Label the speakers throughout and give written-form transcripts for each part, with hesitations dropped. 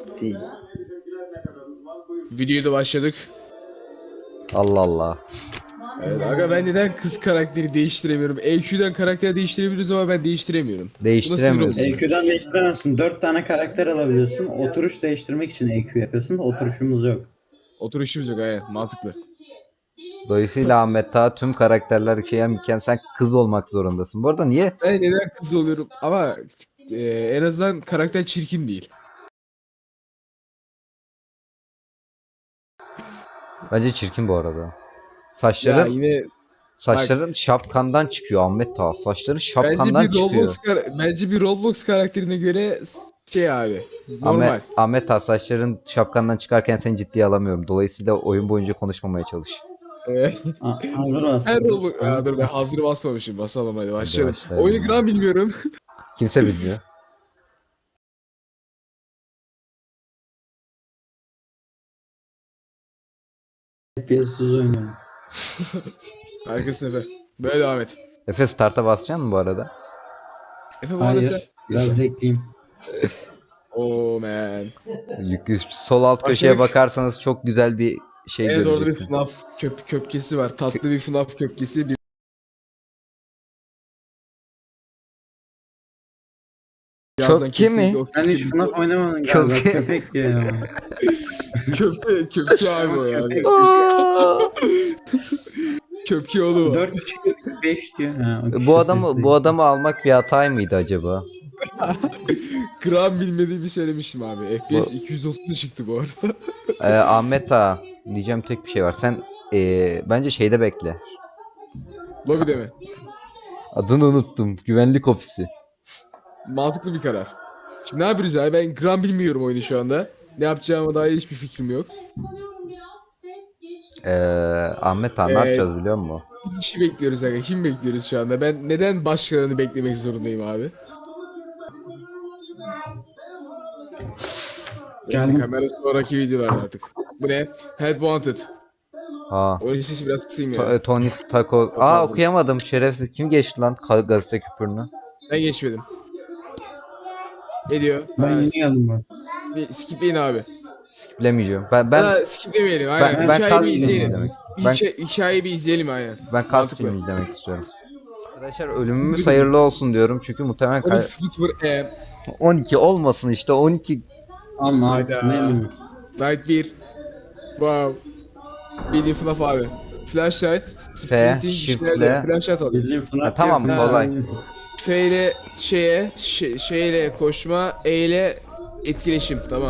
Speaker 1: Ciddi.
Speaker 2: Videoya da başladık.
Speaker 3: Allah Allah.
Speaker 2: Evet, aga ben neden kız karakteri değiştiremiyorum? EQ'den karakter değiştirebiliriz ama ben değiştiremiyorum. Bu nasıl bir
Speaker 3: Değiştiremiyorsun.
Speaker 2: rol?
Speaker 1: EQ'den değiştiremezsin. 4 tane karakter alabiliyorsun. Oturuş değiştirmek için EQ yapıyorsun da oturuşumuz yok.
Speaker 2: Oturuşumuz yok, evet, mantıklı.
Speaker 3: Dolayısıyla Ahmet Taha tüm karakterler imken sen kız olmak zorundasın. Bu arada niye?
Speaker 2: Ben neden kız oluyorum ama en azından karakter çirkin değil.
Speaker 3: Bence çirkin bu arada.
Speaker 2: Ya
Speaker 3: Saçların
Speaker 2: yine
Speaker 3: şapkandan çıkıyor Ahmet Taha. Saçların
Speaker 2: bence
Speaker 3: şapkandan
Speaker 2: bir
Speaker 3: çıkıyor.
Speaker 2: bence bir Roblox karakterine göre şey abi, normal.
Speaker 3: Ahmet Taha saçların şapkandan çıkarken seni ciddiye alamıyorum. Dolayısıyla oyun boyunca konuşmamaya çalış.
Speaker 1: Hazır mısın?
Speaker 2: Her Roblox... Ya dur, ben hazır basmamışım. Basalım hadi başlayalım.
Speaker 3: başlayalım.
Speaker 2: Oyunu gram bilmiyorum.
Speaker 3: Kimse bilmiyor.
Speaker 1: FPS'siz oynuyorum.
Speaker 2: Arkasın Efe. Böyle devam et.
Speaker 3: Efe start'a basacaksın mı bu arada?
Speaker 2: Efe bu arada sen...
Speaker 1: Hayır. Biraz bekleyeyim.
Speaker 2: Oh man.
Speaker 3: Sol alt köşeye
Speaker 2: Başladık.
Speaker 3: bakarsanız çok güzel bir şey
Speaker 2: Evet, orada bir
Speaker 3: göreceksin.
Speaker 2: FNAF köpkesi var. Tatlı bir FNAF köpkesi. Birazdan
Speaker 3: Köpke mi?
Speaker 2: kesinlikle o
Speaker 1: Sen hiç
Speaker 2: köpke-
Speaker 1: FNAF oynamadın galiba.
Speaker 3: Köpek.
Speaker 1: Köpek diyor ya.
Speaker 2: Köpke abi o yani. Köpke oğlu var.
Speaker 1: 4 kişi 5 diyor. Ha, o kişi
Speaker 3: Bu adamı almak bir hatay mıydı acaba?
Speaker 2: Gram bilmediğimi söylemiştim abi. FPS 230 çıktı bu arada.
Speaker 3: Ahmet Ağa diyeceğim tek bir şey var. Sen bence şeyde bekle.
Speaker 2: Lobby'de mi?
Speaker 3: Adını unuttum. Güvenlik ofisi.
Speaker 2: Mantıklı bir karar. Şimdi ne yapıyoruz abi? Ben gram bilmiyorum oyunu şu anda. Ne yapacağıma dair hiçbir fikrim yok.
Speaker 3: Ahmet Ağa ne yapacağız biliyor musun?
Speaker 2: Bir kişi bekliyoruz aga. Kim bekliyoruz şu anda? Ben neden başkalarını beklemek zorundayım abi? Neyse,
Speaker 1: Geldim.
Speaker 2: kamera sonraki videolarda artık. Bu ne? Help wanted.
Speaker 3: Aa,
Speaker 2: Oyun sesi biraz kısayım ya.
Speaker 3: Tony Stark.
Speaker 2: fazla.
Speaker 3: Okuyamadım şerefsiz. Kim geçti lan gazete küpürünü?
Speaker 2: Ben geçmedim. Ne diyor?
Speaker 1: Ben yeni geldim bak.
Speaker 2: Skipleyin abi.
Speaker 3: Skiplemeyeceğim. Ben
Speaker 2: Skiplemeyelim aynen.
Speaker 3: ben
Speaker 2: Hikayeyi
Speaker 3: kas
Speaker 2: bir
Speaker 3: filmi
Speaker 2: izleyelim.
Speaker 3: izlemek. Ben
Speaker 2: Hikayeyi bir izleyelim aynen.
Speaker 3: ben kas
Speaker 2: Mantıklı.
Speaker 3: filmi izlemek istiyorum. Arkadaşlar ölümümüz hayırlı olsun diyorum çünkü muhtemelen
Speaker 2: 12.00
Speaker 3: 12 olmasın işte 12.
Speaker 1: Ama
Speaker 2: Hayda.
Speaker 1: ne demek?
Speaker 2: Night 1. Wow. Bildiğin FNAF abi. Flashlight.
Speaker 3: F,
Speaker 2: Sprinting
Speaker 3: shift'le.
Speaker 2: işlerle flashlight alıyor.
Speaker 1: Bildiğin FNAF
Speaker 3: Ha, tamam,
Speaker 1: diyor.
Speaker 3: kolay.
Speaker 2: F ile şeyle koşma, E ile etkileşim, tamam.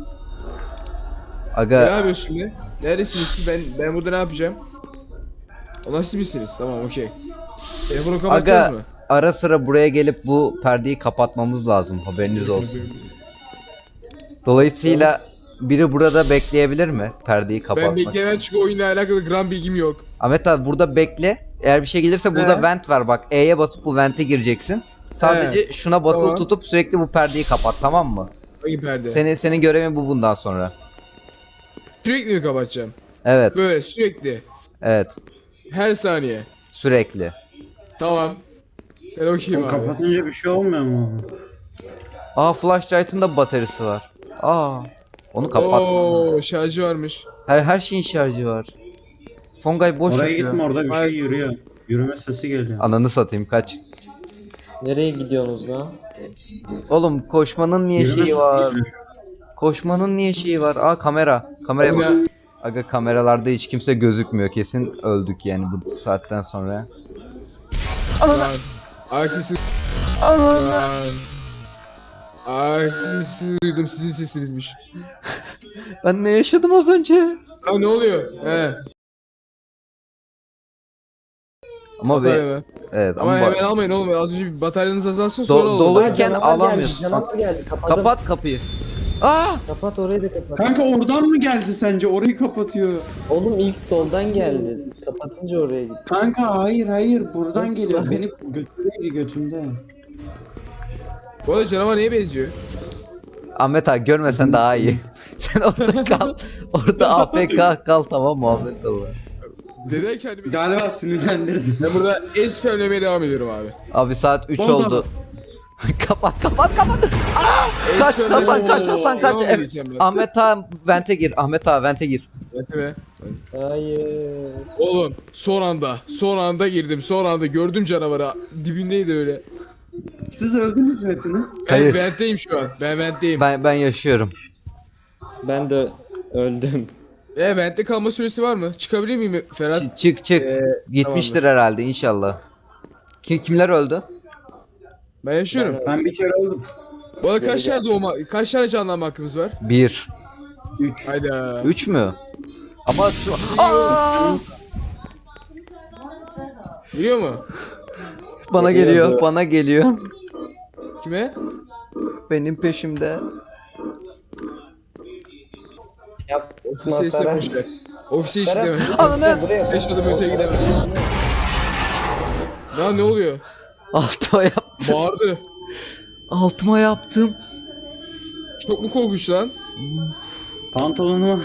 Speaker 2: Ne
Speaker 3: Aga
Speaker 2: yapıyorsun şimdi? Neredesiniz siz? Ben burada ne yapacağım? Allah siz misiniz? Tamam, okey. Telefonu kapatacağız
Speaker 3: aga
Speaker 2: mı?
Speaker 3: ara sıra buraya gelip bu perdeyi kapatmamız lazım haberiniz olsun. Dolayısıyla biri burada bekleyebilir mi perdeyi
Speaker 2: Ben
Speaker 3: kapatmak?
Speaker 2: bekleyemem çünkü oyunla alakalı gram bilgim yok.
Speaker 3: Ahmet abi burada bekle. Eğer bir şey gelirse burada
Speaker 2: He.
Speaker 3: vent var bak. E'ye basıp bu vente gireceksin. Sadece şuna basılı
Speaker 2: Tamam.
Speaker 3: tutup sürekli bu perdeyi kapat, tamam mı?
Speaker 2: Hangi perde?
Speaker 3: Senin görevin bu bundan sonra.
Speaker 2: Sürekli mi kapatacağım?
Speaker 3: Evet.
Speaker 2: Böyle sürekli.
Speaker 3: Evet.
Speaker 2: Her saniye.
Speaker 3: Sürekli.
Speaker 2: Tamam. Ben okeyim abi.
Speaker 1: Kapatınca bir şey olmuyor mu?
Speaker 3: Aa, flashlight'ın da bataryası var. Aa. Onu kapat.
Speaker 2: Oo, şarjı varmış.
Speaker 3: Her şeyin şarjı var. Fongay boş
Speaker 1: Oraya
Speaker 3: yapıyor.
Speaker 1: gitme, orada bir şey
Speaker 2: Hayır.
Speaker 1: yürüyor. Yürüme sesi geliyor.
Speaker 3: Ananı satayım kaç.
Speaker 4: Nereye gidiyorsunuz lan?
Speaker 3: Oğlum koşmanın niye
Speaker 1: Yürüme
Speaker 3: şeyi
Speaker 1: sesi
Speaker 3: var?
Speaker 1: geliyor.
Speaker 3: Koşmanın niye şeyi var? Aa, kamera. Kameraya bak.
Speaker 2: Oyna.
Speaker 3: Aga kameralarda hiç kimse gözükmüyor. Kesin öldük yani bu saatten sonra.
Speaker 2: Lan. Aksisi. Lan. Aksisi duydum, sizin sesinizmiş.
Speaker 3: Ben ne yaşadım az önce?
Speaker 2: Aa, ne oluyor? He.
Speaker 3: Ama
Speaker 2: Batarya mı?
Speaker 3: evet
Speaker 2: Ama
Speaker 3: ama
Speaker 2: hemen almayın oğlum. Az önce bir bataryanız azalsın sonra olur.
Speaker 3: doluyken
Speaker 4: Canavar
Speaker 3: alamıyorsun.
Speaker 4: geldi, canavar geldi. Kapadım.
Speaker 3: Kapat kapıyı. Aa!
Speaker 4: Kapat orayı da kapat.
Speaker 1: Kanka oradan mı geldi sence? Orayı kapatıyor.
Speaker 4: Oğlum ilk soldan geldi. Kapatınca oraya gitti.
Speaker 1: Kanka hayır buradan
Speaker 4: Nasıl
Speaker 1: geliyor.
Speaker 4: lan?
Speaker 1: Beni götürdü götümde.
Speaker 2: Bu arada canavar neye benziyor?
Speaker 3: Ahmet abi görmesen daha iyi. Sen orada kal. Orada AFK kal, tamam mı Ahmet abi?
Speaker 2: Neden kendimi...
Speaker 1: Galiba sinirlendirdim.
Speaker 2: Ben burada es spamlemeye devam ediyorum abi.
Speaker 3: Abi saat 3
Speaker 1: Bozma.
Speaker 3: oldu. Kapat. Kaç Hasan kaç Hasan kaç. Evet. Ahmet ağa vente gir. Ahmet ağa vente gir.
Speaker 4: Hayır.
Speaker 2: Oğlum son anda girdim. Son anda gördüm canavarı. Dibindeydi öyle.
Speaker 1: Siz öldünüz mü hepiniz?
Speaker 3: Hayır.
Speaker 2: Ben ventteyim şu an. Ben ventteyim.
Speaker 3: Ben yaşıyorum.
Speaker 4: Ben de öldüm.
Speaker 2: Ventte kalma süresi var mı? Çıkabilir miyim Ferhat?
Speaker 3: Çık. Gitmiştir herhalde inşallah. Kimler öldü?
Speaker 2: Ben yaşıyorum.
Speaker 1: Ben bir kere öldüm.
Speaker 2: Bu arada kaç tane canlanma hakkımız var?
Speaker 3: 1.
Speaker 1: 3.
Speaker 2: Hayda.
Speaker 3: 3 mü? Ama Aa!
Speaker 2: Biliyor mu?
Speaker 3: Bana geliyor.
Speaker 2: Kime?
Speaker 3: Benim peşimde.
Speaker 4: Yap.
Speaker 2: Ofise ise
Speaker 4: Ferhat.
Speaker 2: boşver. Ofise hiç
Speaker 4: Ferhat,
Speaker 2: gidemem.
Speaker 3: Ananı.
Speaker 4: buraya.
Speaker 2: 5 adım öteye gidemem. Lan ne oluyor?
Speaker 3: Altıma yaptım.
Speaker 2: Bağırdı.
Speaker 3: Altıma yaptım.
Speaker 2: Çok mu korkunç lan?
Speaker 1: Pantolonuma.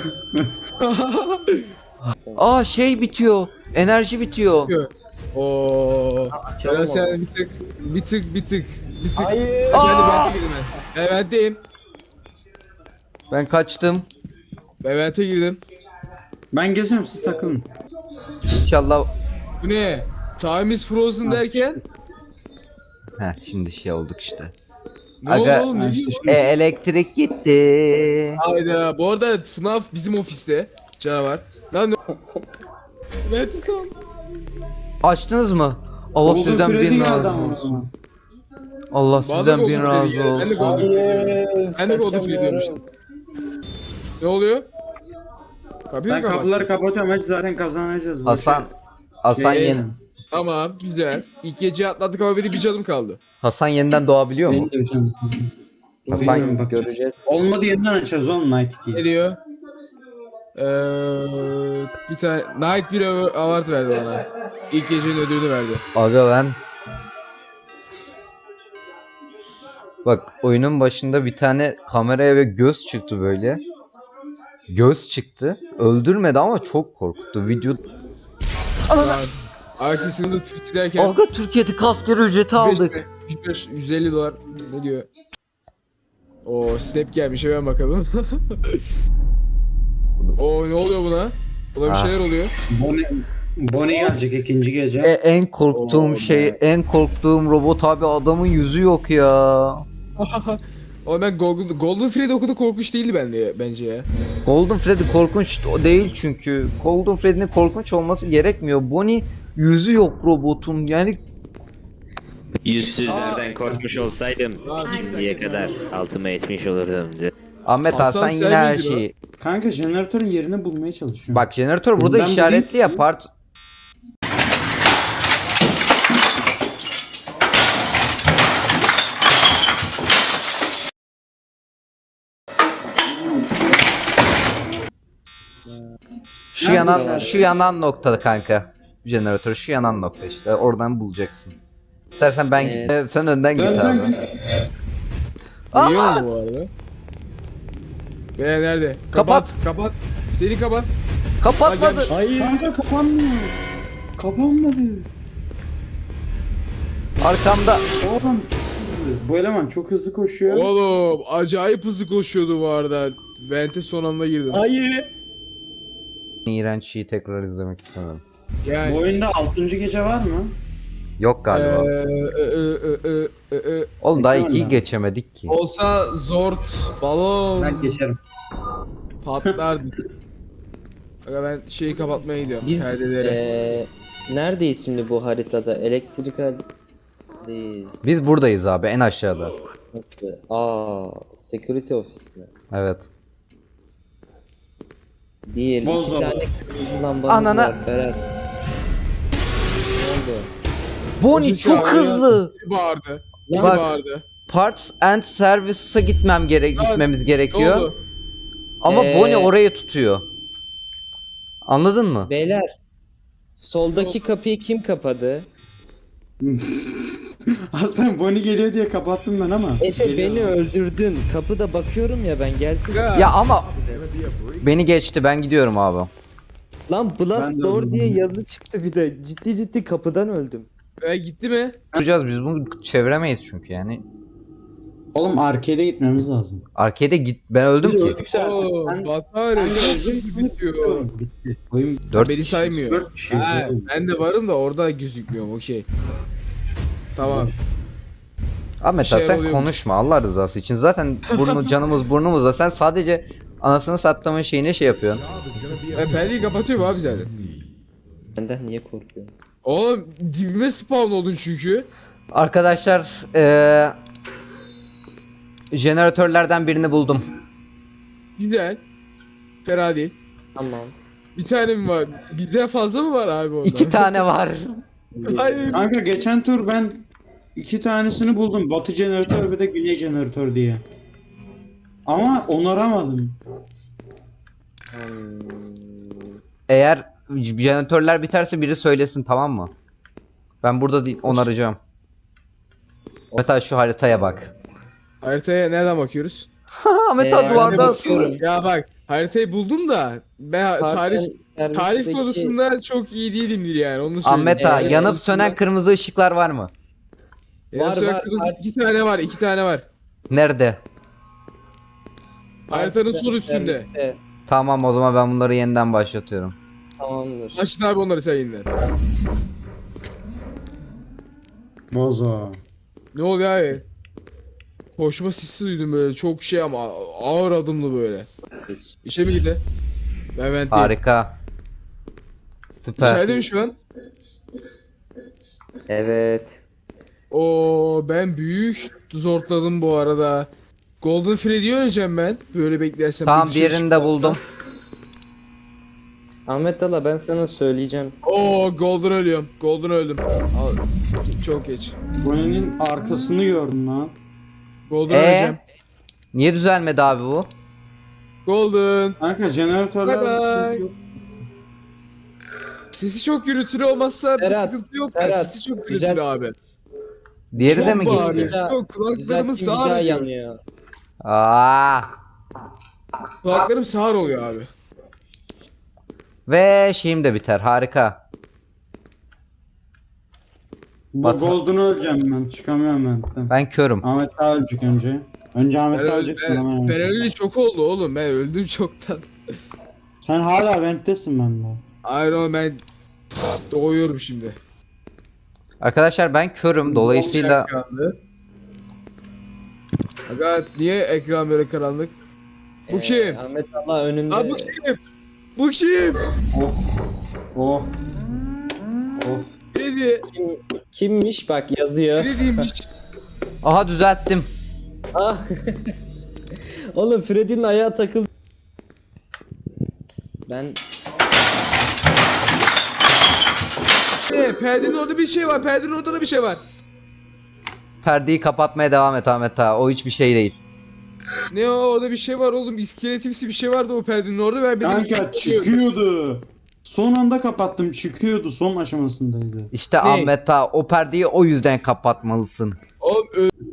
Speaker 3: Aa şey bitiyor. Enerji bitiyor.
Speaker 2: Oo.
Speaker 4: Açalım
Speaker 2: Ferhat sen
Speaker 4: onu.
Speaker 2: bir tık.
Speaker 4: Hayır.
Speaker 2: Ben girdim ben. Ben ventteyim.
Speaker 3: Ben kaçtım.
Speaker 2: Ben vente girdim.
Speaker 1: Ben geziyorum siz takılın.
Speaker 3: İnşallah.
Speaker 2: Bu ne? Time is frozen derken?
Speaker 3: Şimdi şey olduk işte.
Speaker 2: Ne oldu
Speaker 3: Aga-
Speaker 2: oğlum? Ne
Speaker 1: işte
Speaker 2: diyorsun?
Speaker 3: Elektrik gitti.
Speaker 2: Hayda. Bu arada FNAF bizim ofiste. Canavar. Lan ne? Vente son.
Speaker 3: Açtınız mı? Allah
Speaker 1: Golden
Speaker 3: sizden
Speaker 1: Freddy
Speaker 3: bin
Speaker 1: geldi
Speaker 3: razı
Speaker 1: ama o
Speaker 3: olsun.
Speaker 1: zaman.
Speaker 3: Allah
Speaker 2: Bana
Speaker 3: sizden
Speaker 2: Golden
Speaker 3: bin
Speaker 2: Freddy
Speaker 3: razı
Speaker 2: geldi. Ben de
Speaker 3: olsun.
Speaker 2: Golden
Speaker 4: Hayır.
Speaker 2: Ben de Golden Freddy diyormuşum. Ne oluyor? Kapıyı
Speaker 1: Ben
Speaker 2: mı kapat?
Speaker 1: kapıları kapatıyorum. Hadi zaten kazanacağız. bu
Speaker 3: Hasan
Speaker 2: Yes.
Speaker 3: yeni.
Speaker 2: Tamam güzel. İlk gece atlattık ama benim bir canım kaldı.
Speaker 3: Hasan yeniden doğabiliyor mu?
Speaker 1: Benim de canım.
Speaker 3: Hasan-
Speaker 1: Bilmiyorum, bak.
Speaker 4: Göreceğiz.
Speaker 1: Olmadı yeniden açarız oğlum Night 2'yi.
Speaker 2: Ne diyor? Bir tane Night bir award verdi bana. İlk gecenin ödülünü verdi.
Speaker 3: Aga ben. Bak oyunun başında bir tane kameraya ve göz çıktı böyle. Göz çıktı. Öldürmedi ama çok korkuttu. Video.
Speaker 2: Artisinin tweetlerken
Speaker 3: Aga Türkiye'de askeri ücreti aldık.
Speaker 2: 150 dolar ne diyor? O snap gelmiş hemen bakalım. O ne oluyor buna? Buna bir
Speaker 3: Ah.
Speaker 2: şeyler oluyor.
Speaker 1: Bonnie gelecek ikinci gece.
Speaker 3: En korktuğum
Speaker 2: Oo,
Speaker 3: şey,
Speaker 2: be.
Speaker 3: en korktuğum robot abi adamın yüzü yok ya.
Speaker 2: Ama ben Golden Freddy o kadar korkunç değildi bence ya.
Speaker 3: Golden Freddy korkunç değil çünkü. Golden Freddy'nin korkunç olması gerekmiyor. Bonnie yüzü yok robotun. Yani
Speaker 5: Yüzsüzlerden korkmuş olsaydım şimdiye kadar altıma etmiş olurdum.
Speaker 3: Ahmet
Speaker 2: Hasan
Speaker 3: Hasan
Speaker 2: sen
Speaker 3: yine her
Speaker 2: miydin o?
Speaker 3: şeyi.
Speaker 1: Kanka jeneratörün yerini bulmaya çalışıyorum.
Speaker 3: Bak jeneratör burada
Speaker 1: Ben
Speaker 3: işaretli
Speaker 1: bulayım.
Speaker 3: ya part. Şu yanan noktada kanka. Jeneratör şu yanan nokta işte. Oradan bulacaksın. İstersen ben git. Sen önden git
Speaker 1: Dön,
Speaker 3: abi.
Speaker 1: dön.
Speaker 2: Biliyor mu bu arada? Nerede?
Speaker 3: Kapat.
Speaker 2: Kapat. Seni kapat.
Speaker 3: Kapatmadı.
Speaker 2: Hayır.
Speaker 1: Kanka kapanmıyor. Kapanmadı.
Speaker 3: Arkamda.
Speaker 1: Oğlum hızlı. Bu eleman çok hızlı koşuyor.
Speaker 2: Oğlum acayip hızlı koşuyordu bu arada. Vente son anda girdim.
Speaker 4: Hayır.
Speaker 3: İğrenç şeyi tekrar izlemek istemiyorum.
Speaker 1: Bu
Speaker 2: Yani.
Speaker 1: oyunda 6. gece var mı?
Speaker 3: Yok galiba. Oğlum daha
Speaker 1: Bekliyorum
Speaker 3: 2'yi
Speaker 1: ben.
Speaker 3: geçemedik ki.
Speaker 2: Olsa zort, balon
Speaker 1: Ben geçerim.
Speaker 2: patlardı. Aga ben şeyi kapatmaya gidiyorum.
Speaker 4: Biz
Speaker 2: Perdeleri.
Speaker 4: neredeyiz şimdi bu haritada? Elektrikal değil.
Speaker 3: Biz buradayız abi en aşağıda.
Speaker 4: Nasıl? Security office mi?
Speaker 3: Evet.
Speaker 4: Değil.
Speaker 1: Boz
Speaker 4: İki
Speaker 1: baba.
Speaker 4: tane kırmızı lambamız
Speaker 3: Anana-
Speaker 4: var Ferhat. Ne oldu?
Speaker 3: Bonnie
Speaker 2: Ofis
Speaker 3: çok
Speaker 2: abi ya.
Speaker 3: hızlı.
Speaker 2: Biri bağırdı.
Speaker 4: Bak-
Speaker 2: Biri bağırdı.
Speaker 3: Parts and Services'a gitmemiz
Speaker 2: Ne
Speaker 3: gerekiyor.
Speaker 2: oldu?
Speaker 3: Ama
Speaker 4: Ee,
Speaker 3: Bonnie orayı tutuyor. Anladın mı?
Speaker 4: Beyler, soldaki kapıyı kim kapadı?
Speaker 1: Hasan Bonnie geliyor diye kapattım ben ama.
Speaker 4: Efe
Speaker 1: Geliyor.
Speaker 4: beni öldürdün. Kapıda bakıyorum ya ben gelsin.
Speaker 3: Ya ama beni geçti. Ben gidiyorum abi.
Speaker 4: Lan
Speaker 1: Ben
Speaker 4: Blast
Speaker 1: de
Speaker 4: Door
Speaker 1: öldüm.
Speaker 4: diye yazı çıktı bir de. Ciddi ciddi kapıdan öldüm.
Speaker 2: Gitti mi?
Speaker 3: Yapacağız biz bunu çeviremeyiz çünkü yani.
Speaker 1: Oğlum arcade'e gitmemiz lazım.
Speaker 3: Arcade'e git. Ben öldüm
Speaker 1: Biz
Speaker 3: ki.
Speaker 1: öldük zaten.
Speaker 2: Oo,
Speaker 1: Sen-
Speaker 2: Batarya
Speaker 1: sen de
Speaker 2: çok
Speaker 1: öldün,
Speaker 2: hızlı bitiyor.
Speaker 1: Bitti. Oyun
Speaker 3: 4
Speaker 2: Beni saymıyor.
Speaker 1: 4 kişiyiz.
Speaker 2: Ha,
Speaker 1: oğlum.
Speaker 2: ben de varım da orada gözükmüyorum. Okey. Tamam.
Speaker 3: Ahmet
Speaker 2: şey
Speaker 3: abi sen
Speaker 2: oluyormuş.
Speaker 3: konuşma Allah rızası için. Zaten canımız burnumuzda. Sen sadece anasını sattığımın şeyine şey yapıyorsun.
Speaker 2: Ben perdeyi kapatıyorum abi zaten.
Speaker 4: Benden niye korkuyorsun?
Speaker 2: Oğlum dibime spawn oldun çünkü.
Speaker 3: Arkadaşlar jeneratörlerden birini buldum.
Speaker 2: Güzel. Fena değil.
Speaker 4: Tamam.
Speaker 2: Bir tane mi var? Birden fazla mı var abi ondan?
Speaker 3: 2 tane var.
Speaker 2: Hayır.
Speaker 1: Kanka geçen tur ben 2 tanesini buldum. Batı jeneratör ve de güney jeneratör diye. Ama onaramadım.
Speaker 3: Eğer jeneratörler biterse biri söylesin, tamam mı? Ben burada değil, onaracağım. Ahmet abi şu haritaya bak.
Speaker 2: Haritaya nereden bakıyoruz?
Speaker 3: Ahmet abi
Speaker 4: ben de
Speaker 3: duvarda
Speaker 4: bakıyorum.
Speaker 3: asılı.
Speaker 2: Ya bak haritayı buldum da ben tarih
Speaker 4: Servisteki-
Speaker 2: konusunda çok iyi değilimdir yani onu söyleyeyim.
Speaker 3: Ahmet abi
Speaker 4: Evet,
Speaker 3: yanıp sönen kırmızı ışıklar var mı?
Speaker 2: Var,
Speaker 4: Var,
Speaker 2: kırmızı
Speaker 4: var.
Speaker 2: 2 tane var, 2 tane var.
Speaker 3: Nerede?
Speaker 2: Haritanın sol üstünde.
Speaker 4: Serviste.
Speaker 3: Tamam, o zaman ben bunları yeniden başlatıyorum.
Speaker 4: Tamamdır.
Speaker 2: Açın abi onları sen yeniden.
Speaker 1: Bozo.
Speaker 2: Ne oluyor abi? Koşma sesi duydum böyle çok şey ama ağır adımlı böyle. İşe mi gitti? Ben değil.
Speaker 3: Harika. Süper.
Speaker 2: İçeride mi şu an?
Speaker 4: Evet.
Speaker 2: Oo ben büyük zortladım bu arada. Golden Freddy'yi öleceğim ben. Böyle beklersem.
Speaker 3: Tamam,
Speaker 2: bir şey
Speaker 3: diğerini de
Speaker 2: çıkmazsa.
Speaker 3: buldum.
Speaker 4: Ahmet Ala ben sana söyleyeceğim.
Speaker 2: Oo Golden ölüyorum. Golden öldüm. Al, çok geç.
Speaker 1: Bunun arkasını gördüm lan.
Speaker 2: Golden öleceğim.
Speaker 3: Niye düzelmedi abi bu?
Speaker 2: Golden.
Speaker 1: Kanka jeneratörler
Speaker 2: Bye bye.
Speaker 1: sıkıntı yok.
Speaker 2: Sesi çok gürültülü olmazsa bir
Speaker 4: Berat,
Speaker 2: sıkıntı yok da
Speaker 4: Berat,
Speaker 2: sesi çok
Speaker 4: güzel.
Speaker 2: gürültülü abi.
Speaker 3: Diğeri de
Speaker 2: Çok
Speaker 3: mi
Speaker 2: bağırıyor.
Speaker 3: gitti?
Speaker 4: gitti?
Speaker 2: Çok kulaklarımı
Speaker 4: Düzelttiğim bir daha
Speaker 2: sağır ediyor.
Speaker 4: yanıyor.
Speaker 3: Aa!
Speaker 2: Kulaklarım sağır oluyor abi.
Speaker 3: Ve şeyim de biter. Harika.
Speaker 1: Bu
Speaker 3: Batı-
Speaker 1: Golden'ı öleceğim ben. Çıkamıyorum ben.
Speaker 3: Ben körüm.
Speaker 1: Ahmet daha ölecek önce. Önce Ahmet
Speaker 2: Ben,
Speaker 1: daha
Speaker 2: öl-
Speaker 1: öleceksin ama.
Speaker 2: ben öleli çok oldu oğlum. Ben öldüm çoktan.
Speaker 1: Sen hala vent'tesin bende.
Speaker 2: Hayır oğlum ben doğuyorum şimdi.
Speaker 3: Arkadaşlar ben körüm. Dolayısıyla
Speaker 2: Karanlık. Aga niye ekran böyle karanlık? Bu kim?
Speaker 4: Ahmet Ala önünde.
Speaker 2: Aa bu kim? Bu kim?
Speaker 1: Oh. Of.
Speaker 2: Freddy.
Speaker 4: Kimmiş bak yazıyor.
Speaker 2: Freddy'ymiş.
Speaker 3: aha düzelttim.
Speaker 4: Ah. Oğlum Freddy'nin ayağı takıldı. Ben
Speaker 2: Perdenin orada bir şey var. Perdenin orada da bir şey var.
Speaker 3: Perdeyi kapatmaya devam et Ahmet abi. O hiçbir şey değil.
Speaker 2: Ne o orada bir şey var oğlum. İskeletimsi bir şey vardı o perdenin orada. Ben benim
Speaker 1: Kanka
Speaker 2: üstüme-
Speaker 1: çıkıyordu. Son anda kapattım, çıkıyordu, son aşamasındaydı.
Speaker 3: İşte
Speaker 2: Ne?
Speaker 3: Ahmet abi o perdeyi o yüzden kapatmalısın.
Speaker 2: Oğlum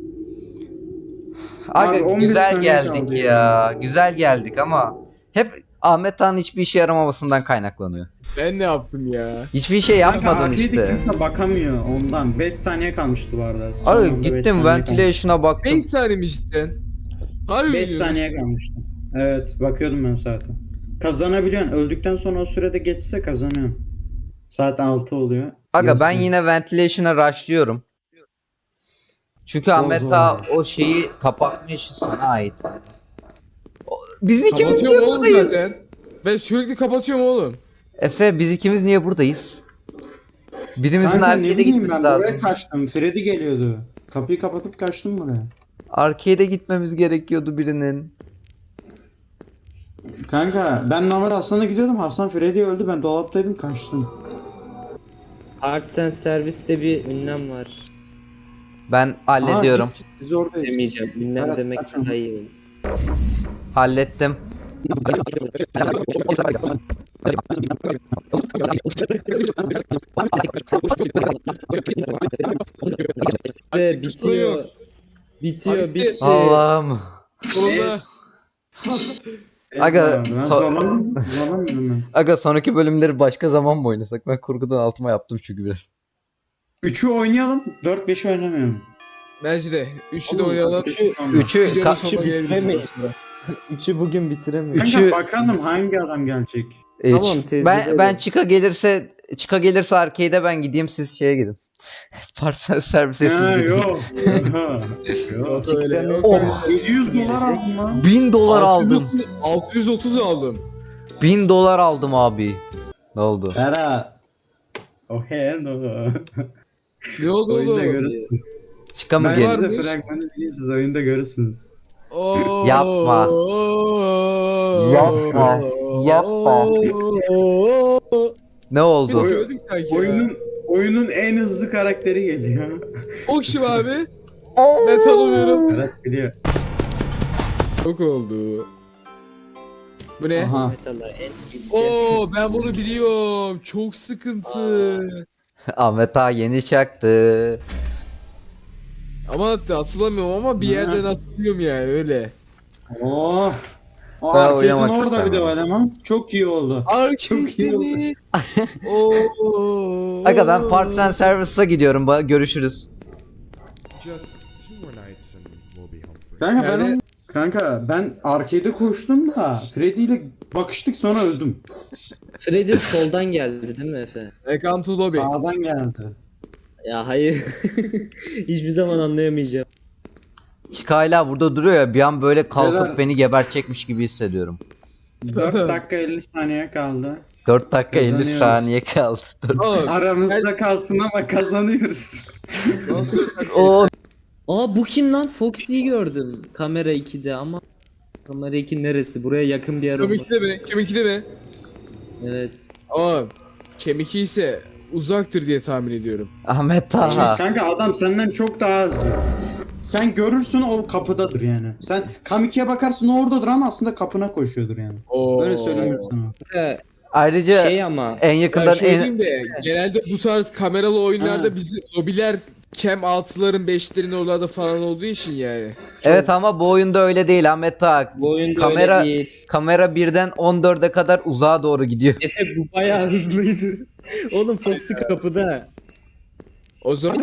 Speaker 1: Abi,
Speaker 3: Aga
Speaker 1: 11
Speaker 3: güzel
Speaker 1: saniye
Speaker 3: geldik
Speaker 1: kaldı
Speaker 3: ya. Güzel geldik ama hep Ahmet Han'ın hiçbir işe yaramamasından kaynaklanıyor.
Speaker 2: ben ne yaptım ya?
Speaker 3: Hiçbir şey
Speaker 1: Kanka
Speaker 3: yapmadın
Speaker 1: arcade'e
Speaker 3: işte.
Speaker 1: kimse bakamıyor ondan. 5 saniye kalmıştı bu arada. Son
Speaker 3: Abi
Speaker 1: anda beş
Speaker 3: gittim
Speaker 1: saniye
Speaker 3: ventilation'a baktım.
Speaker 2: 5 saniye mi cidden? Harbi
Speaker 1: 5
Speaker 2: mi
Speaker 1: saniye kalmıştı. Evet, bakıyordum ben zaten. Kazanabiliyorsun. Öldükten sonra o sürede geçse kazanıyorsun. Saat 6 oluyor.
Speaker 3: Aga ben
Speaker 1: Yazıyor.
Speaker 3: yine ventilation'a rushlıyorum. Çünkü Ahmet
Speaker 1: zor.
Speaker 3: Ağa o şeyi kapatma işi sana ait. Biz ikimiz niye
Speaker 2: Kapatıyorum oğlum
Speaker 3: buradayız?
Speaker 2: zaten. Ben sürekli kapatıyorum oğlum.
Speaker 3: Efe biz ikimiz niye buradayız? Birimizin
Speaker 1: Kanka ne
Speaker 3: arcade'e
Speaker 1: bileyim
Speaker 3: gitmesi
Speaker 1: ben
Speaker 3: lazım.
Speaker 1: buraya kaçtım. Freddy geliyordu. Kapıyı kapatıp kaçtım buraya.
Speaker 3: Arcade'e gitmemiz gerekiyordu birinin.
Speaker 1: Kanka ben normal Hasan'a gidiyordum. Hasan Freddy öldü. Ben dolaptaydım, kaçtım.
Speaker 4: Arts and Service'te bir ünlem var.
Speaker 3: Ben hallediyorum.
Speaker 1: Aa, git, biz oradayız.
Speaker 4: Demeyeceğim. Ünlem
Speaker 1: Evet,
Speaker 4: demek
Speaker 1: kaçın.
Speaker 4: daha iyi olur.
Speaker 3: Hallettim.
Speaker 4: Ve bitiyor. Bitiyor, bitti.
Speaker 3: Allah'ım.
Speaker 2: Sonunda.
Speaker 3: Aga,
Speaker 1: Ben
Speaker 3: so-
Speaker 1: zorlanmıyorum ben.
Speaker 3: Aga sonraki bölümleri başka zaman mı oynasak? Ben kurgudan altıma yaptım çünkü biraz.
Speaker 1: 3'ü oynayalım. 4-5'i oynamıyorum.
Speaker 2: Bence de. Üçü de
Speaker 1: Oğlum,
Speaker 2: oynayalım.
Speaker 3: Üçü
Speaker 2: Videonun
Speaker 3: ka-
Speaker 2: sonuna gelebiliriz.
Speaker 4: bitiremeyiz. Üçü bugün bitiremiyoruz.
Speaker 1: Kanka
Speaker 3: Üçü-
Speaker 1: bakalım hangi adam gelecek.
Speaker 4: Tamam,
Speaker 3: ben
Speaker 4: teyze
Speaker 3: çıka gelirse arcade'e ben gideyim, siz şeye gidin. Parsel servise siz
Speaker 1: Ha
Speaker 3: gidin.
Speaker 1: yok. Yok.
Speaker 2: Yok öyle. Yok
Speaker 3: Oh.
Speaker 2: öyle.
Speaker 1: 700 dolar aldım lan.
Speaker 3: 1000 dolar aldım.
Speaker 2: 630 aldım.
Speaker 3: 1000 dolar aldım abi. Ne oldu?
Speaker 1: Ferhat. Oh hello.
Speaker 2: Ne oldu
Speaker 1: Oyunda
Speaker 2: oğlum?
Speaker 1: görürsünüz.
Speaker 3: Çıka mı
Speaker 1: Ben
Speaker 3: gelin?
Speaker 2: var?
Speaker 1: size fragmanı diyeyim, siz oyunda görürsünüz.
Speaker 2: Oo.
Speaker 3: Yapma. Yapma. Yapma. Ne
Speaker 2: Bir
Speaker 3: oldu?
Speaker 2: de gördük sanki ya.
Speaker 1: Oyunun en hızlı karakteri geliyor.
Speaker 2: O kim abi? Ben tanımıyorum.
Speaker 1: Ferhat biliyor.
Speaker 2: Çok oldu. Bu ne?
Speaker 1: Aha.
Speaker 4: Metalar en iyisi.
Speaker 2: Oo ben bunu biliyorum. Çok sıkıntı.
Speaker 3: Ahmet Ağa yeni çaktı.
Speaker 2: Ama hatırlamıyorum ama bir yerden hatırlıyorum yani öyle.
Speaker 1: Oh. O
Speaker 3: Ben
Speaker 1: arcade'in
Speaker 3: oynamak
Speaker 1: orada bir de
Speaker 3: istemem.
Speaker 1: var ama. Çok iyi oldu. Çok iyi
Speaker 2: Arcade'de
Speaker 1: oldu.
Speaker 2: mi? Oo.
Speaker 3: Aga ben Parts and Service'a gidiyorum. Görüşürüz.
Speaker 6: Just 2 more nights and we'll be home free.
Speaker 1: Kanka
Speaker 2: Yani-
Speaker 1: ben arcade'e koştum da Freddy ile bakıştık sonra öldüm.
Speaker 4: Freddy soldan geldi değil mi Efe?
Speaker 2: Welcome to lobby.
Speaker 1: Sağdan geldi.
Speaker 4: Ya hayır. Hiçbir zaman anlayamayacağım.
Speaker 3: Çıka hala burada duruyor ya, bir an böyle kalkıp
Speaker 1: Beyler-
Speaker 3: beni gebertecekmiş gibi hissediyorum.
Speaker 1: 4 dakika 50 saniye kaldı.
Speaker 3: 4 dakika 50
Speaker 1: Kazanıyoruz.
Speaker 3: saniye kaldı.
Speaker 2: Oğlum,
Speaker 1: Aramızda kalsın ama kazanıyoruz.
Speaker 2: nasıl
Speaker 3: Oo,
Speaker 4: Aa bu kim lan? Foxy'yi gördüm. Kamera 2'de ama kamera 2 neresi? Buraya yakın bir yer olmalı.
Speaker 2: Kemikli mi? Kemikli mi?
Speaker 4: Evet.
Speaker 2: Oğlum kemik ise uzaktır diye tahmin ediyorum.
Speaker 3: Ahmet Ağa.
Speaker 1: Kanka adam senden çok daha hızlı. Sen görürsün o kapıdadır yani. Sen Kamiki'ye bakarsın o oradadır ama aslında kapına koşuyordur yani.
Speaker 2: Oo.
Speaker 1: Öyle söyleyeyim sana.
Speaker 3: Ayrıca
Speaker 4: Şey ama
Speaker 3: en
Speaker 2: Ya
Speaker 3: yakından
Speaker 2: şöyle
Speaker 3: en...
Speaker 2: diyeyim de genelde bu tarz kameralı oyunlarda
Speaker 1: Ha.
Speaker 2: bizim lobiler cam 6'ların 5'lerin oralarda falan olduğu için yani.
Speaker 3: Evet ama bu oyunda öyle değil Ahmet Ağa.
Speaker 4: bu oyunda
Speaker 3: Kamera-
Speaker 4: öyle değil.
Speaker 3: Kamera birden 14'e kadar uzağa doğru gidiyor.
Speaker 4: Efe bu bayağı hızlıydı. Oğlum Foxy kapıda.
Speaker 2: O zaman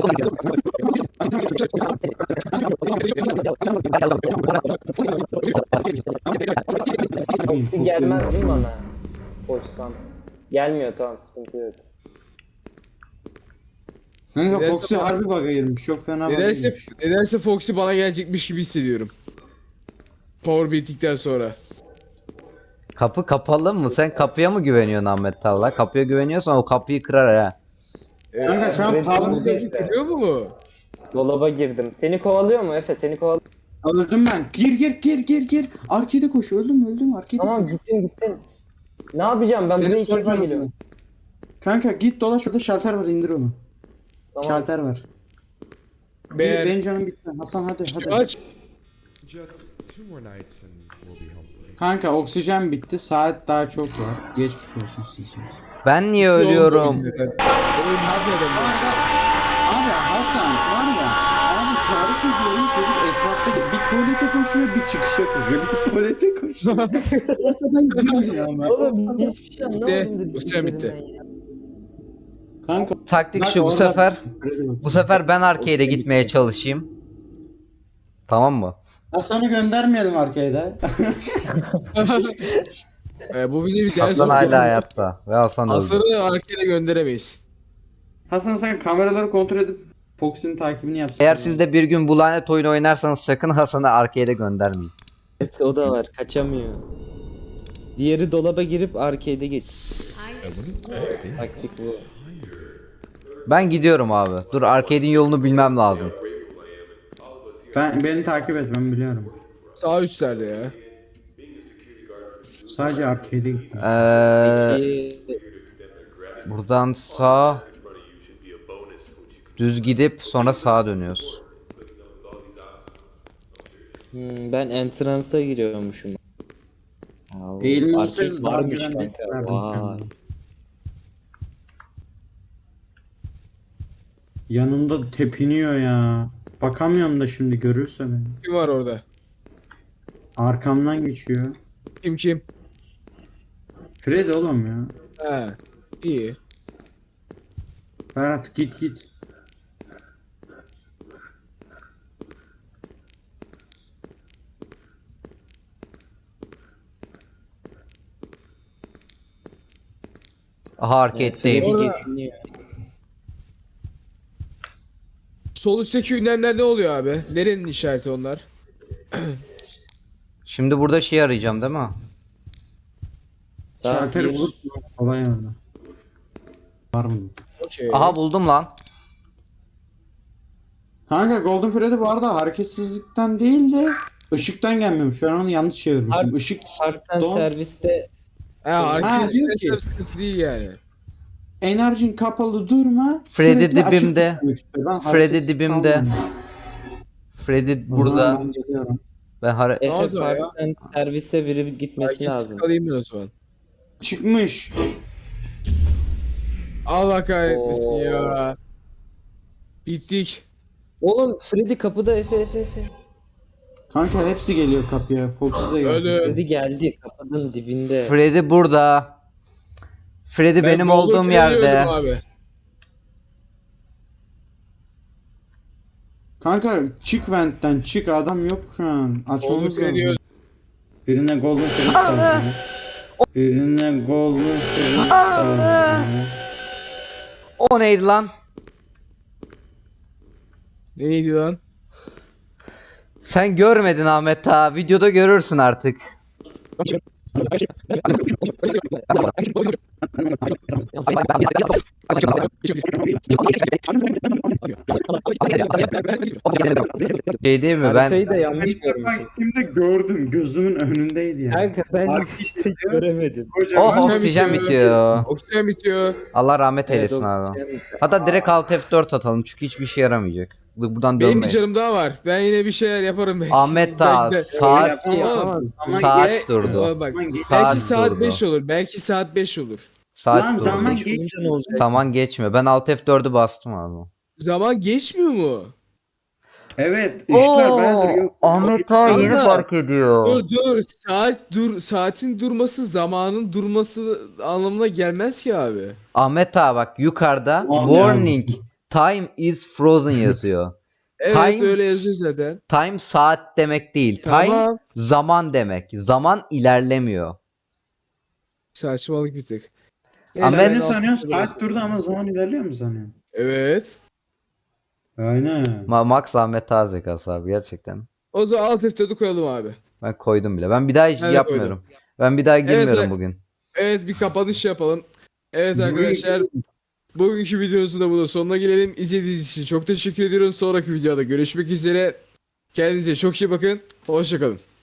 Speaker 7: Foxy gelmez değil mi bana? Koşsam. Gelmiyor, tamam, sıkıntı yok.
Speaker 1: Kanka
Speaker 2: Nedense
Speaker 1: Foxy
Speaker 2: bana-
Speaker 1: harbi bug'a girmiş. Çok fena bug'a
Speaker 2: nedense,
Speaker 1: girmiş.
Speaker 2: nedense Foxy bana gelecekmiş gibi hissediyorum. Power bittikten sonra.
Speaker 3: Kapı kapalı mı? Sen kapıya mı güveniyorsun Ahmet Ağa? Kapıya güveniyorsan o kapıyı kırar ha.
Speaker 1: Kanka şu an
Speaker 7: Freddy
Speaker 1: power
Speaker 7: burada
Speaker 1: stage.
Speaker 7: işte.
Speaker 2: Biliyor mu?
Speaker 7: Dolaba girdim. Seni kovalıyor mu Efe? Seni kovalıyor.
Speaker 1: Öldüm ben. Gir. Arcade'e koş. Öldüm. Arcade'e
Speaker 7: Tamam,
Speaker 1: koş.
Speaker 7: gittim. Ne yapacağım? Ben buraya
Speaker 1: Benim
Speaker 7: ilk defa
Speaker 1: soracağım.
Speaker 7: geliyorum.
Speaker 1: Kanka git dolaş orada şalter var indir onu.
Speaker 7: Tamam.
Speaker 1: Şalter var.
Speaker 2: Beğen.
Speaker 1: Benim canım bitti. Hasan hadi.
Speaker 2: Aç.
Speaker 6: Just 2 more nights and we'll be home free.
Speaker 1: Kanka oksijen bitti. Saat daha çok var. Geçmiş olsun size.
Speaker 3: Ben niye ölüyorum?
Speaker 2: Oyun bitti zaten.
Speaker 1: Abi Hasan var ya. Abi tarif ediyorum çocuk etrafta bir tuvalete koşuyor bir çıkışa koşuyor. Bir tuvalete koşuyor. Ortadan girmiyor ama.
Speaker 7: Oğlum hiçbir şey anlamadım
Speaker 2: Bitti. Göster bitti.
Speaker 7: dediklerinden ya.
Speaker 1: Kanka
Speaker 3: Taktik
Speaker 1: bak
Speaker 3: şu, bu
Speaker 1: orada-
Speaker 3: sefer ben arcade'e gitmeye çalışayım. Tamam mı?
Speaker 1: Hasan'ı göndermeyelim arcade'e.
Speaker 2: Bu bize bir ders
Speaker 3: Hasan
Speaker 2: oldu.
Speaker 3: hala hayatta ve Hasan öldü.
Speaker 2: Hasan'ı arkaya gönderemeyiz.
Speaker 1: Hasan sen kameraları kontrol edip Fox'un takibini yapsın.
Speaker 3: Eğer siz de bir gün bu lanet oyunu oynarsanız sakın Hasan'ı arcade'e göndermeyin.
Speaker 4: Evet o da var. Kaçamıyor. Diğeri dolaba girip arcade'e git. Taktik bu.
Speaker 3: Ben gidiyorum abi. Dur, arcade'in yolunu bilmem lazım.
Speaker 1: Beni takip et ben biliyorum.
Speaker 2: Sağ üstlerde ya.
Speaker 1: Sadece arcade'e gittim.
Speaker 4: Peki,
Speaker 3: Buradan sağ düz gidip sonra sağa dönüyoruz.
Speaker 4: ben entrance'a giriyormuşum. Aa,
Speaker 1: Eğilme
Speaker 4: arcade
Speaker 1: olsaydı daha
Speaker 4: varmış
Speaker 1: güvenli
Speaker 4: kanka.
Speaker 1: hissederdin
Speaker 4: Vay.
Speaker 1: kendini. Yanımda tepiniyor ya. Bakamıyorum da şimdi görürse beni.
Speaker 2: Kim var orada?
Speaker 1: Arkamdan geçiyor.
Speaker 2: Kim?
Speaker 1: Fred oğlum ya.
Speaker 2: He. İyi.
Speaker 1: Ferhat git.
Speaker 3: Aha arcade'deyim.
Speaker 4: Freddy
Speaker 2: Orada-
Speaker 4: geziniyor.
Speaker 2: Sol üstteki ünlemler ne oluyor abi? Nerenin işareti onlar?
Speaker 3: Şimdi burada şey arayacağım değil mi?
Speaker 4: Saat
Speaker 1: Şalteri
Speaker 4: 1.
Speaker 1: bulup kolay orada. Var mı?
Speaker 2: Okey.
Speaker 3: Aha buldum lan.
Speaker 1: Kanka Golden Freddy bu arada hareketsizlikten değil de ışıktan gelmemiş. Ben onu yanlış çevirmişim.
Speaker 4: Park-
Speaker 1: Işık
Speaker 4: Parktan
Speaker 1: Don-
Speaker 4: serviste
Speaker 2: Ha,
Speaker 1: diyor ki-
Speaker 2: arkadaşlar sıkıntı değil yani.
Speaker 1: enerjin kapalı durma.
Speaker 3: Freddy
Speaker 1: sürekli açık
Speaker 3: dibimde.
Speaker 1: tutmak istiyor. Ben
Speaker 3: Freddy
Speaker 1: hareketsiz
Speaker 3: dibimde.
Speaker 1: kalmam.
Speaker 3: Freddy
Speaker 1: O zaman
Speaker 3: burada.
Speaker 1: ben geliyorum.
Speaker 3: Ben
Speaker 4: Efe
Speaker 2: oldu ya?
Speaker 4: parktan servise biri gitmesi
Speaker 2: Herkes
Speaker 4: lazım.
Speaker 2: kalayım ben o zaman.
Speaker 1: Çıkmış.
Speaker 2: Allah kahretmesin
Speaker 4: Oo.
Speaker 2: ya. Bittik.
Speaker 4: Oğlum Freddy kapıda Efe.
Speaker 1: Kanka hepsi geliyor kapıya. Fox'u da geldi.
Speaker 2: Ölüm.
Speaker 4: Freddy geldi kapının dibinde.
Speaker 3: Freddy burada. Freddy
Speaker 2: Ben
Speaker 3: benim
Speaker 2: Golden
Speaker 3: olduğum
Speaker 2: Freddy'yi
Speaker 3: yerde.
Speaker 2: öldüm abi.
Speaker 1: Kanka çık ventten çık, adam yok şu an.
Speaker 2: Golden
Speaker 1: Açmamız
Speaker 2: Freddy'yi
Speaker 1: lazım.
Speaker 2: öldüm.
Speaker 1: Birine Golden Freddy saldı. Birine Golden Freddy saldı.
Speaker 3: O neydi lan?
Speaker 2: Neydi lan?
Speaker 3: Sen görmedin Ahmet ta. Videoda görürsün artık. Şey değil mi ben?
Speaker 4: Haritayı da yanlış
Speaker 1: Ben
Speaker 4: görmüşüm.
Speaker 1: gittiğimde gördüm. Gözümün önündeydi yani.
Speaker 4: Kanka ben
Speaker 1: Fark
Speaker 4: işte göremedim.
Speaker 1: Kocaman.
Speaker 3: Oh oksijen bitiyor.
Speaker 2: Oksijen bitiyor.
Speaker 3: Allah rahmet
Speaker 4: Evet,
Speaker 3: eylesin abi.
Speaker 4: oksijen-
Speaker 3: Hatta direkt alt F4 atalım çünkü hiçbir işe yaramayacak. Buradan
Speaker 2: Benim bir
Speaker 3: dönmeyin.
Speaker 2: canım daha var. Ben yine bir şeyler yaparım belki.
Speaker 3: Ahmet ta
Speaker 2: Belki de-
Speaker 3: saat
Speaker 1: Yapamaz. Ama
Speaker 3: saat
Speaker 1: ge-
Speaker 3: durdu.
Speaker 2: Bak,
Speaker 1: Zaman geç-
Speaker 3: Saat
Speaker 2: belki saat
Speaker 3: durdu.
Speaker 2: 5 olur. Belki saat 5 olur.
Speaker 3: Saat
Speaker 1: Lan
Speaker 3: durdu.
Speaker 1: zaman
Speaker 4: Olunca
Speaker 1: geç.
Speaker 4: ne olacak?
Speaker 3: Zaman geçmiyor. Ben alt F4'ü bastım abi.
Speaker 2: Zaman geçmiyor mu?
Speaker 1: Evet, ışıklar bayağıdır yok.
Speaker 3: Ahmet ta yeni
Speaker 2: Kanka.
Speaker 3: fark ediyor.
Speaker 2: Dur. Saatin durması zamanın durması anlamına gelmez ki abi.
Speaker 3: Ahmet ta bak yukarıda
Speaker 1: Aman
Speaker 3: warning time is frozen yazıyor.
Speaker 2: Evet
Speaker 3: Time-
Speaker 2: öyle yazıyor zaten.
Speaker 3: Time saat demek değil. Time
Speaker 2: Tamam.
Speaker 3: zaman demek. Zaman ilerlemiyor.
Speaker 2: Saçmalık bir tık.
Speaker 3: Ahmet-
Speaker 1: Sen
Speaker 2: ben
Speaker 1: ne sanıyorsun?
Speaker 2: altı-
Speaker 1: Saat durdu ama zaman ilerliyor mu sanıyorsun?
Speaker 2: Evet.
Speaker 1: Aynen.
Speaker 3: Max Ahmet ta zekası abi gerçekten.
Speaker 2: O zaman alt F4'ü koyalım abi.
Speaker 3: Ben koydum bile. Ben bir daha hiç
Speaker 2: Ben de
Speaker 3: yapmıyorum. Ben bir daha girmiyorum
Speaker 2: evet.
Speaker 3: bugün.
Speaker 2: Evet bir kapanış yapalım. Evet arkadaşlar. Bugünkü videomuzun da burada sonuna gelelim. İzlediğiniz için çok teşekkür ediyorum. Sonraki videoda görüşmek üzere. Kendinize çok iyi bakın. Hoşçakalın.